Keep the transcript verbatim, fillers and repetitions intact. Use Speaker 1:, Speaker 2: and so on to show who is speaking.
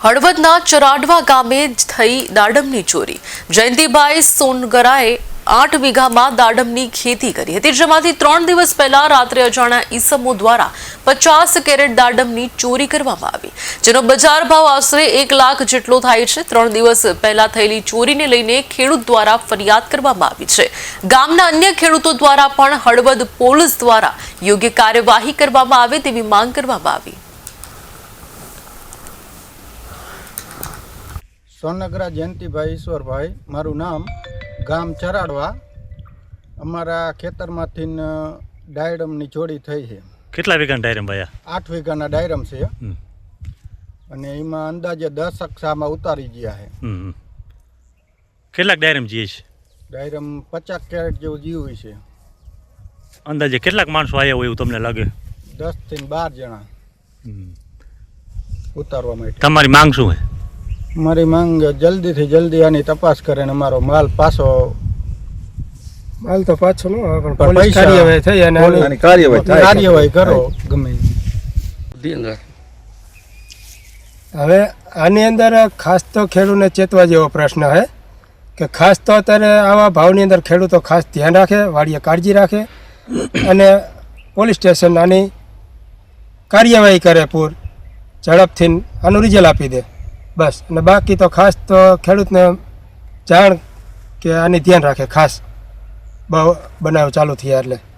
Speaker 1: હળવદના ચરાડવા ગામે થઈ દાડમની ચોરી। જયંતિભાઈ સોનગરાએ આઠ વીઘામાં દાડમની ખેતી કરી હતી, જેમાંથી ત્રણ દિવસ પહેલા રાત્રે અજાણ્યા ઈસમો દ્વારા પચાસ કેરેટ દાડમની ચોરી કરવામાં આવી, જેનો બજાર ભાવ આશરે એક લાખ જેટલો થાય છે। ત્રણ દિવસ પહેલા થયેલી ચોરીને લઈને ખેડૂત દ્વારા ફરિયાદ કરવામાં આવી છે। ગામના અન્ય ખેડૂતો દ્વારા પણ હળવદ પોલીસ દ્વારા યોગ્ય કાર્યવાહી કરવામાં આવે તેવી માંગ કરવામાં આવી।
Speaker 2: સોનગરા જયંતિભાઈ ઈશ્વરભાઈ મારું નામ, ગામ ચરાડવા। અમારા ખેતરમાંથી ડાયરમની ચોરી થઈ છે।
Speaker 3: કેટલા વીઘાના ડાયરમ ભાઈ?
Speaker 2: આઠ વીઘાના ડાયરમ છે અને એમાં અંદાજે દસ અક્ષામાં ઉતારી ગયા છે।
Speaker 3: કેટલાક ડાયરમ જીએ છે?
Speaker 2: ડાયરમ પચાસ કેરેટ જેવું જીવું છે।
Speaker 3: અંદાજે કેટલાક માણસો આવ્યા હોય એવું તમને લાગે?
Speaker 2: દસ થી બાર જણા ઉતારવા માટે।
Speaker 3: તમારી માંગ શું છે?
Speaker 2: મારી માંગ જલ્દીથી જલ્દી આની તપાસ કરે ને અમારો માલ પાછો
Speaker 4: માલ તો પાછો નો આવે, પણ
Speaker 2: પણ
Speaker 4: પોલીસ
Speaker 2: પૈસા-
Speaker 4: કાર્યવાહી થઈ અને આની
Speaker 2: કાર્યવાહી કાર્યવાહી કરો ગમે ઈ।
Speaker 4: હવે આની અંદર ખાસ તો ખેડૂતને ચેતવા જેવો પ્રશ્ન છે કે ખાસ તો અત્યારે આવા ભાવની અંદર ખેડૂતો ખાસ ધ્યાન રાખે, વાડીએ કાળજી રાખે અને પોલીસ સ્ટેશન આની કાર્યવાહી કરે, પૂર ઝડપથી આનું રિઝલ્ટ આપી દે બસ। અને બાકી તો ખાસ તો ખેડૂતને જાણ કે આની ધ્યાન રાખે ખાસ, બહુ બનાવ ચાલુ થયા એટલે।